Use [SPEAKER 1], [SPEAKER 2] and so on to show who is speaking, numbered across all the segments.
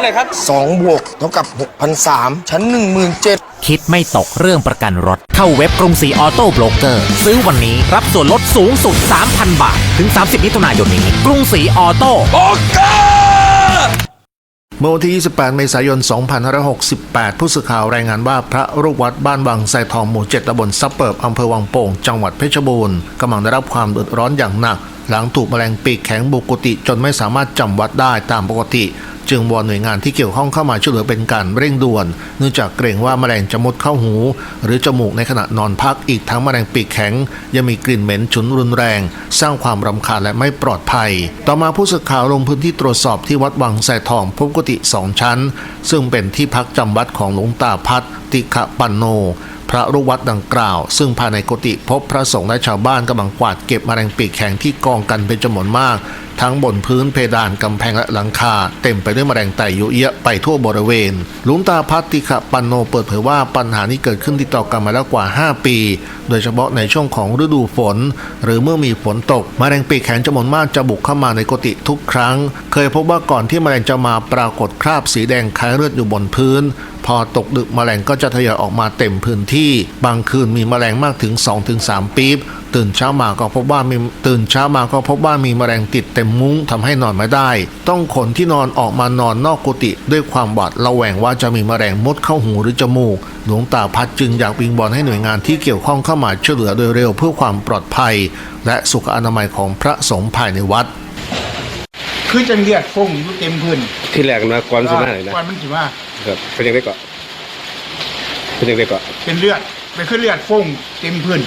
[SPEAKER 1] หน่อยครับ
[SPEAKER 2] 2 บวกเท่ากับ 6,300 ชั้น 17,000
[SPEAKER 3] คิดไม่ตกเรื่องประกันรถเข้าเว็บกรุงศรีออโต้โบรกเกอร์ซื้อวันนี้รับส่วนลดสูงสุด 3,000 บาทถึง 30 มิถุนายนนี้กรุงศรีออโต้
[SPEAKER 1] โบรกเกอร์
[SPEAKER 4] เมื่อวันที่ 28 เมษายน 2568 ผู้สื่อข่าวรายงานว่าพระลูกวัดบ้านวังไซทองหมู่ 7 ตำบลซับเปิบอำเภอวังโป่งจังหวัดเพชรบูรณ์กำลังได้รับความเดือดร้อนอย่างหนักหลังถูกแมลงปีกแข็งบุกกุฏิจนไม่สามารถจำวัดได้ตามปกติจึงวอนหน่วยงานที่เกี่ยวข้องเข้ามาช่วยเหลือเป็นการเร่งด่วนเนื่องจากเกรงว่าแมลงจะมุดเข้าหูหรือจมูกในขณะนอนพักอีกทั้งแมลงปีกแข็งยังมีกลิ่นเหม็นฉุนรุนแรงสร้างความรำคาญและไม่ปลอดภัยต่อมาผู้สื่อข่าวลงพื้นที่ตรวจสอบที่วัดวังไซทองพบกุฏิ2 ชั้นซึ่งเป็นที่พักจำวัดของหลวงตาพัฒติขปันโนพระลูกวัดดังกล่าวซึ่งภายในกุฏิพบพระสงฆ์และชาวบ้านกำลังกวาดเก็บแมลงปีกแข็งที่กองกันเป็นจำนวนมากทั้งบนพื้นเพดานกำแพงและหลังคาเต็มไปด้วยแมลงไต่เยอะแยะไปทั่วบริเวณหลวงตาพัฒติขปันโนเปิดเผยว่าปัญหานี้เกิดขึ้นติดต่อกันมาแล้วกว่า5 ปีโดยเฉพาะในช่วงของฤดูฝนหรือเมื่อมีฝนตกแมลงปีกแข็งจำนวนมากจะบุกเข้ามาในกุฏิทุกครั้งเคยพบว่าก่อนที่แมลงจะมาปรากฏคราบสีแดงคล้ายเลือดอยู่บนพื้นพอตกดึกแมลงก็จะทยอยออกมาเต็มพื้นที่บางคืนมีแมลงมากถึง 2-3 ปี๊บตื่นเช้ามาก็พบว่ามีแมลงติดเต็มมุ้งทำให้นอนไม่ได้ต้องขนที่นอนออกมานอนนอกกุฏิด้วยความหวาดระแวงว่าจะมีแมลงมุดเข้าหูหรือจมูกหลวงตาพัฒจึงอยากวิงวอนให้หน่วยงานที่เกี่ยวข้องเข้ามาช่วยเหลือโดยเร็วเพื่อความปลอดภัยและสุขอนามัยของพระสงฆ์ภายในวัด
[SPEAKER 5] คือจังเลือดฟงอยู่เต็มพื้น
[SPEAKER 1] ที่แรกนะก่อนสิมาเลยนะ
[SPEAKER 5] ก่อนมันสิมา
[SPEAKER 1] ครับเป็นยังไงก่อนเป็นยังไงก่อน
[SPEAKER 5] เป็นเลือดเป็นคือเลือดฟงเต็มพื้น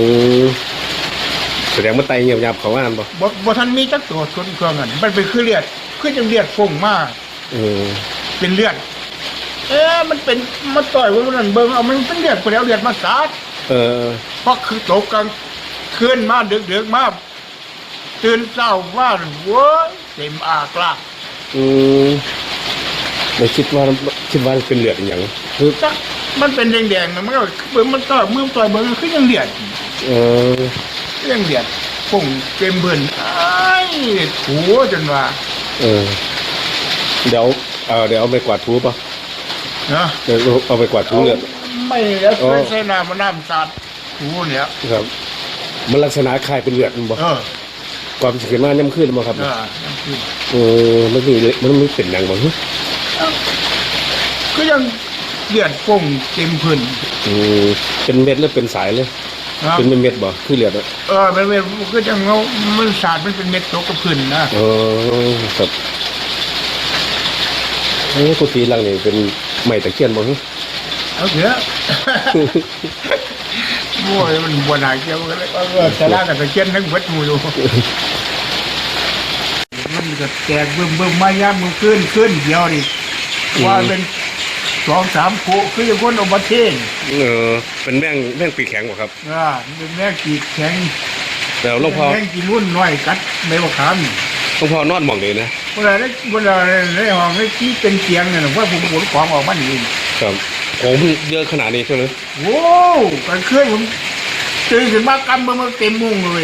[SPEAKER 1] แสดงว่าไตเงียบๆเขาว่านั่น
[SPEAKER 5] บ่ทันมีจักตัวคนเครื่องนั้นมันเป็นคือเลือดคือจังเลือดฟงมากเป็นเลือดมันเป็นมันต่อยว่ามันเบิ่งเอามันเป็นเลือดไปแล้วเลือดมาสาดเพราะคือตกกลางคืนมาดึกๆมาตื่นเช้าว่าโว้ยเต็มอากลาก
[SPEAKER 1] ไม่คิดว่าเป็นเลือดอย่าง
[SPEAKER 5] คือจักมันเป็นแดงๆมันก็เบิ่งมันต่อยมือต่อยเบิ่งคือยังเลือดยังเลือดพุ่งเต็มพื้นถูจนว่า
[SPEAKER 1] เดี๋ยวเอาไปกวาดถูป่ะ
[SPEAKER 5] นะ
[SPEAKER 1] เดี๋ยวเอาไปกวาดถูเลือด
[SPEAKER 5] ไม่แล้วใช้น้ำสาดถูเนี่ย
[SPEAKER 1] ครับมันลักษณะคล้ายเป็นเลือดมันบ่ความสิขึ้นมาย่ำขึ้นมาครับมันไม่เป็นอย่างบ่
[SPEAKER 5] ก็ยังเลือดพุ่งเต็มพื้น
[SPEAKER 1] เป็นเม็ดหรือเป็นสายเลยเป็นเม็ดบ่คือเลือด
[SPEAKER 5] เป็นเม็ดก็จะเงามันสาดมันเป็นเม็ดตกกับพื้น
[SPEAKER 1] นะครับกุฏิหลังนี่เป็นไม้ตะเคียนบ่
[SPEAKER 5] เอาเถอะโว้ยมันบัวหนาเกี่ยวกันเลยแต่ละกับตะเคียนทั้งวัดมูอยู่มันก็แตกเบิ่มมายามมือขึ้นเดียวดิว่าเป็น2-3 คู่คืออย่างคนเอามาเทง
[SPEAKER 1] เป็นแม่งปีกแข็งบ่ครับ
[SPEAKER 5] เป็นแม่งปีกแข็ง
[SPEAKER 1] แต่หลวงพ่อ
[SPEAKER 5] แม่งกินรุ่นน้อยกัดใบมะขาม
[SPEAKER 1] หลวงพ่อนอนหมองเลยนะ
[SPEAKER 5] เวลาในห้องที่เป็นเตียงเนี่ยว่าผมขนของออกมาหนี
[SPEAKER 1] ครับผมเยอะขนาดนี้ใช่ไหม
[SPEAKER 5] โว้กันเคยผมตื่นขึ้นมากำมันเต็มมุ้งเลย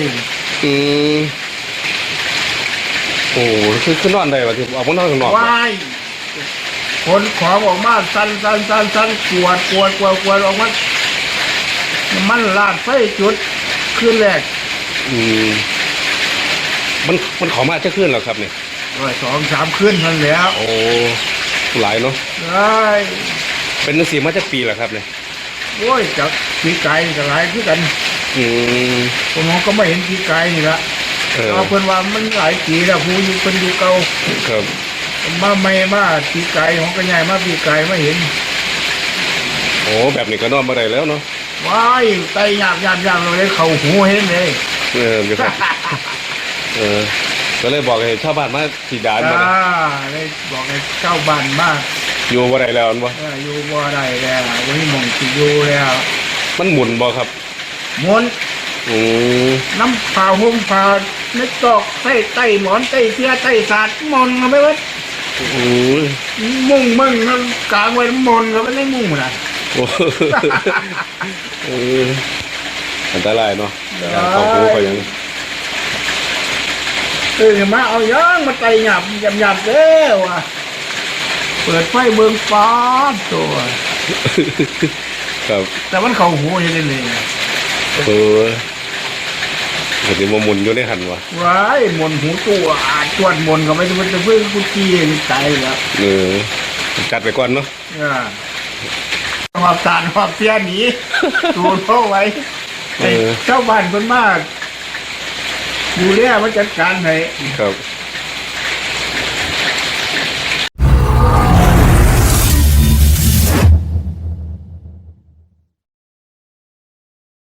[SPEAKER 1] โอ้คือนอนได้ป่ะที่ออกมานอนข้างนอก
[SPEAKER 5] ว้ายคนของออกมาสั่นกวดออกมามันลาดไฟจุดคืนแรก
[SPEAKER 1] มันขอมาจะขึ้นหรอครับเนี่ย
[SPEAKER 5] 2-3 คืนนั่นแหละ
[SPEAKER 1] โอ้หลายเนาะ
[SPEAKER 5] ได้
[SPEAKER 1] เป็นนักศิลป์มาจะปีหรอครับเนี่ย
[SPEAKER 5] โอ้ยจากปีไก่กับหลายคือกันผมก็ไม่เห็นปีไก่นี่ละเอาเพิ่นว่ามันหลายปีแล้วผู้อยู่เป็นอยู่เก่า
[SPEAKER 1] ครับ
[SPEAKER 5] มาไม่มาปีไก่ของกระใหญ่มาปีไก่ไม่เห็น
[SPEAKER 1] โอ้แบบนี้ก็นอนมาได้แล้วเนาะ
[SPEAKER 5] ว้ายไตยากเลยเข่าหูเห็นเลย
[SPEAKER 1] ก็เลยบอกให้ชาวบ้านมาสีดานมา
[SPEAKER 5] เลยบอกให้ชาวบ้านมา
[SPEAKER 1] อยู่บ่ได้แล้วบ่
[SPEAKER 5] อยู่บ่ได้แล้ววันนี้มองสิอยู่แล้ว
[SPEAKER 1] มันหมุนบ่ครับ
[SPEAKER 5] หมุนน้ำผ่าห่มผ่าเน็ตตอกใต้หมอนใต้เสื้อใต้สาดมนเอาไปไว้มุ่งมึงนั่นกลางไว้มนก็ไม่ได้มุ่งนะ
[SPEAKER 1] อันตรายเนาะเขาหูเขายัง
[SPEAKER 5] มาเอาย่างมาไต่หยับเด้อว่ะเปิดไฟเบิ่งฟ้าตัว
[SPEAKER 1] ครับ
[SPEAKER 5] แต่มันเข้าหูเห็นได้เลย
[SPEAKER 1] เห็นว่ามุนอยู่ในหันวะ
[SPEAKER 5] ว้ายมนหูตัวจวดมนก็ไม่ต้องจะเพิ่งกูจี้นี่ตายแล้ว
[SPEAKER 1] จัดไปก่อนเนาะ
[SPEAKER 5] มาสารมาเพี้ยหนีดูเข้าไว้ไอ้เจ้าบ้านคนมากดูแลมาจัดการให้
[SPEAKER 1] ครับ